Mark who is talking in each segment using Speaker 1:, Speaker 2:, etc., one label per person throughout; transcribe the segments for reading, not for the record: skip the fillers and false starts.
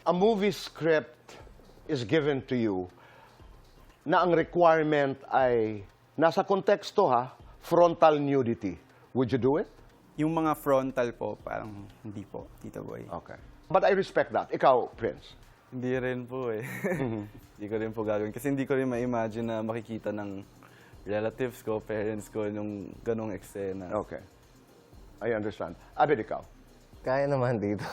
Speaker 1: a movie script is given to you na ang requirement ay nasa konteksto frontal nudity. Would you do it?
Speaker 2: Yung mga frontal po, parang hindi po, Tito Boy.
Speaker 1: Okay. But I respect that. Ikaw, Prince?
Speaker 3: Hindi rin po eh. Hindi ko rin po gagawin. Kasi hindi ko rin ma-imagine na makikita ng relatives ko, parents ko, yung ganong eksena.
Speaker 1: Okay. I understand. Abed, ikaw?
Speaker 4: Kaya naman dito.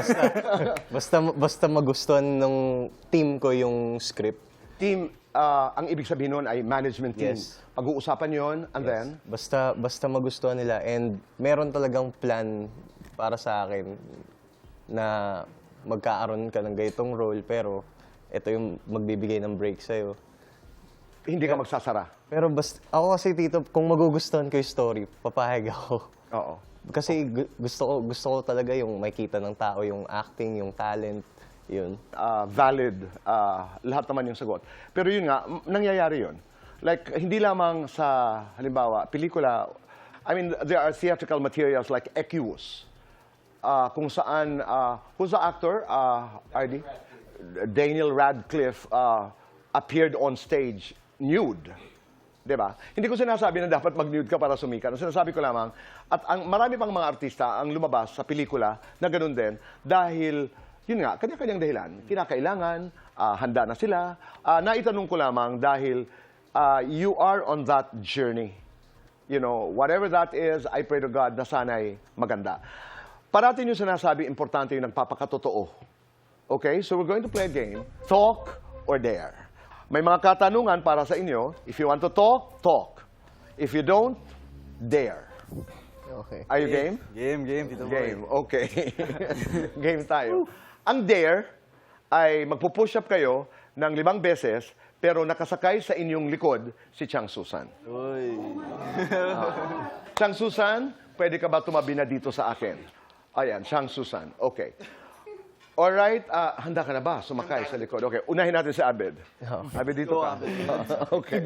Speaker 4: Basta magustuhan ng team ko yung script.
Speaker 1: Team, ang ibig sabihin nun ay management team.
Speaker 4: Yes.
Speaker 1: Pag-uusapan yon and then?
Speaker 4: Basta magustuhan nila and meron talagang plan para sa akin na magkaaroon ka ng ganitong role pero ito yung magbibigay ng break sa'yo.
Speaker 1: Hindi ka magsasara.
Speaker 4: Pero ako kasi Tito, kung magugustuhan ko yung story, papahag ako.
Speaker 1: Oo.
Speaker 4: Kasi gusto ko talaga yung makita ng tao, yung acting, yung talent, yun.
Speaker 1: Valid, lahat naman yung sagot. Pero yun nga, nangyayari yun. Like, hindi lamang sa, halimbawa, pelikula, I mean, there are theatrical materials like Equus, kung saan, who's the actor, RD? Daniel Radcliffe appeared on stage nude. Diba? Hindi ko sinasabi na dapat mag-nude ka para sumikat. Ang sinasabi ko lamang, at marami pang mga artista ang lumabas sa pelikula na ganun din dahil, yun nga, kanya-kanyang dahilan. Kinakailangan, handa na sila. Naitanong ko lamang dahil you are on that journey. You know, whatever that is, I pray to God na sana'y maganda. Parating yung sinasabi, importante yung nagpapakatotoo. Okay? So we're going to play a game, Talk or Dare. May mga katanungan para sa inyo. If you want to talk, talk. If you don't, dare.
Speaker 4: Okay.
Speaker 1: Are you game?
Speaker 3: Game, Tito Boy.
Speaker 1: Game, okay. Game tayo. Ang dare ay magpo-push up kayo ng 5 beses pero nakasakay sa inyong likod si Chang Susan.
Speaker 3: Uy.
Speaker 1: Chang Susan, pwede ka ba tumabi na dito sa akin? Ayan, Chang Susan. Okay. Alright, handa ka na ba sumakay sa likod? Okay, unahin natin si Abed. Abed, dito ka. Okay.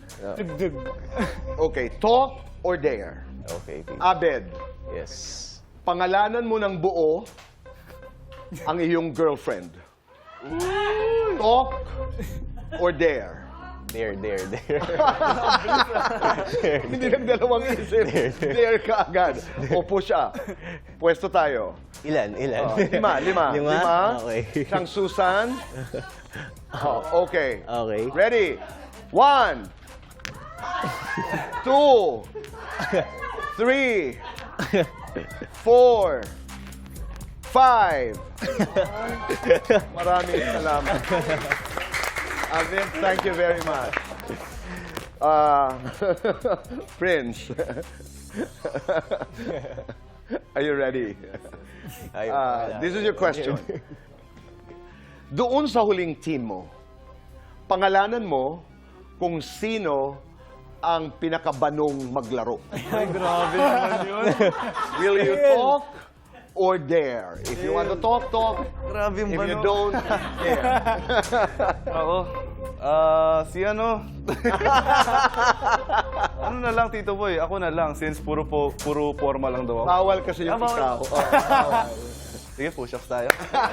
Speaker 1: Okay, talk or dare?
Speaker 4: Okay, Tito.
Speaker 1: Abed,
Speaker 4: Yes.
Speaker 1: pangalanan mo ng buo ang iyong girlfriend. Talk or dare?
Speaker 4: Dare.
Speaker 1: Hindi nagdalawang isip. Dare ka agad. O push up. Pwesto tayo.
Speaker 4: Ilan?
Speaker 1: 5.
Speaker 4: Lima? Okay.
Speaker 1: Chang Susan. Okay.
Speaker 4: Okay.
Speaker 1: Ready? 1, 2, 3, 4, 5. Maraming salamat. Avin, thank you very much. Prince. Are you ready? This is your question. Doon sa huling team mo, pangalanan mo kung sino ang pinakabanong maglaro.
Speaker 3: Ay, grabe naman yun.
Speaker 1: Will you talk or dare? If you want to talk, talk.
Speaker 3: Grabe yung
Speaker 1: If you
Speaker 3: bano.
Speaker 1: don't, dare.
Speaker 3: Ako, si ano? Ano na lang, Tito Boy? Ako na lang, since puro formal lang daw ako.
Speaker 1: Bawal kasi yung
Speaker 3: Bawal.
Speaker 1: ikaw. Bawal.
Speaker 3: Sige, push-ups tayo.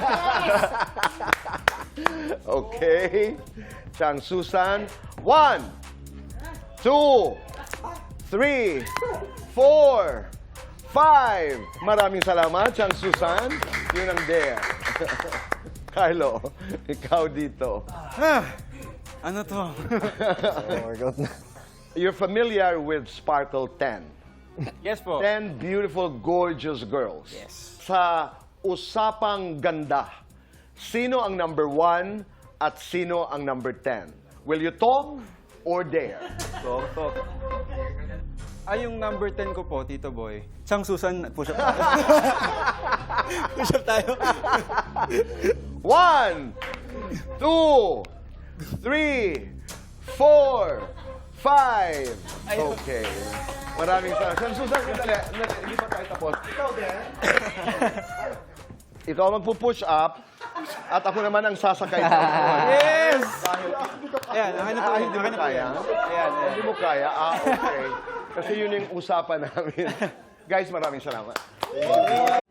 Speaker 1: Okay. Chang Susan. 1, 2, 3, 4, 5. Maraming salamat, Chang Susan. Yun ang dare. Carlo, ikaw dito.
Speaker 3: Ano to?
Speaker 4: Workout na.
Speaker 1: You're familiar with Sparkle 10.
Speaker 2: Yes po.
Speaker 1: 10 beautiful, gorgeous girls.
Speaker 2: Yes.
Speaker 1: Sa usapang ganda, sino ang number 1 at sino ang number 10? Will you talk or dare?
Speaker 3: Talk.
Speaker 2: Yung number 10 ko po, Tito Boy. Chang Susan, push up tayo. Push up tayo.
Speaker 1: 1, 2, 3, 4, 5. Okay. Maraming salamat. Chang Susan, sandali. Hindi pa tayo tapos. Ikaw din. Ikaw magpo-push up at ako naman ang sasakay sa
Speaker 2: Yes!
Speaker 1: Dahil
Speaker 2: Ayan, akin na po.
Speaker 1: hindi mo kaya?
Speaker 2: Ayan.
Speaker 1: Hindi mo kaya? Okay. Kasi yun yung usapan namin. Guys, maraming salamat.